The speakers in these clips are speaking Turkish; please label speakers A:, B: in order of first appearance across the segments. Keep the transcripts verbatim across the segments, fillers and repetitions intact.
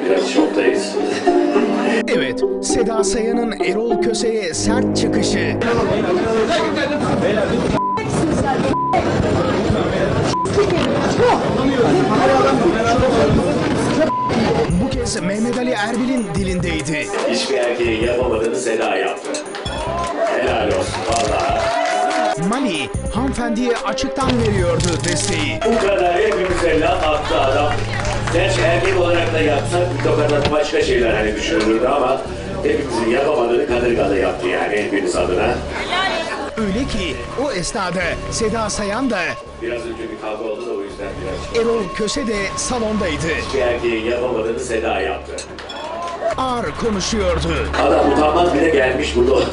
A: biraz şoktayız.
B: Evet, Seda Sayan'ın Erol Köse'ye sert çıkışı. Bu kez Mehmet Ali Erbil'in dilindeydi.
A: Hiçbir erkeğin yapamadığını Seda yaptı. Helal olsun vallahi.
B: Mali, hanımefendiye açıktan veriyordu desteği.
A: Bu kadar hepimize laf attı adam. Gerçi erkek olarak da yapsak bir tokadan başka şeyler hani düşünülürdü ama hepimizin yapamadığını kadırgalı yaptı yani hepimiz adına.
B: Öyle ki o esnada Seda Sayan da
A: Biraz önce bir kavga oldu da o yüzden biraz...
B: Erol Köse de salondaydı.
A: Hiçbir erkeğin yapamadığını Seda yaptı.
B: Ağır konuşuyordu.
A: Adam utanmaz bile gelmiş burada.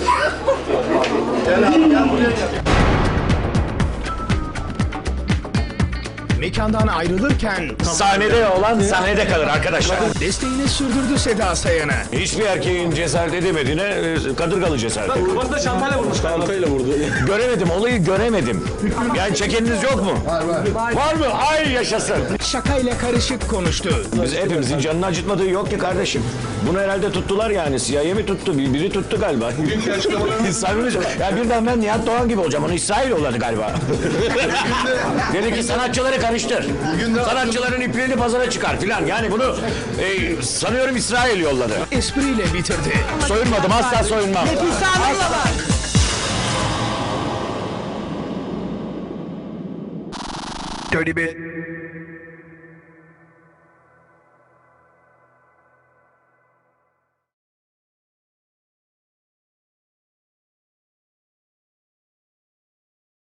B: Mekandan ayrılırken
C: Sahnede olan sahnede kalır arkadaşlar.
B: desteğini sürdürdü Seda Sayan'a.
C: Hiçbir erkeğin cesaret edemediğine e, kadırgalı cesaret ediyor.
D: Kafasına çantayla vurmuş. Çantayla vurdu.
C: Göremedim, olayı göremedim. Yani çekeniniz yok mu? Var var. Var mı? Ay yaşasın.
B: Şakayla karışık konuştu.
C: Biz hepimizin canını acıtmadığı yok ki kardeşim. Bunu herhalde tuttular yani. C I A mi tuttu? Bir- Biri tuttu galiba. Samimi söylüyorum. Ya birden ben Nihat Doğan gibi olacağım. Onu İsrail yolladı galiba. Dedi ki sanatçıları karıştır. Sanatçıların ipliğini pazara çıkar filan. Yani bunu e, sanıyorum İsrail yolladı.
B: Espriyle bitirdi.
C: Soyunmadım, asla soyunmam.
B: Dirty bit.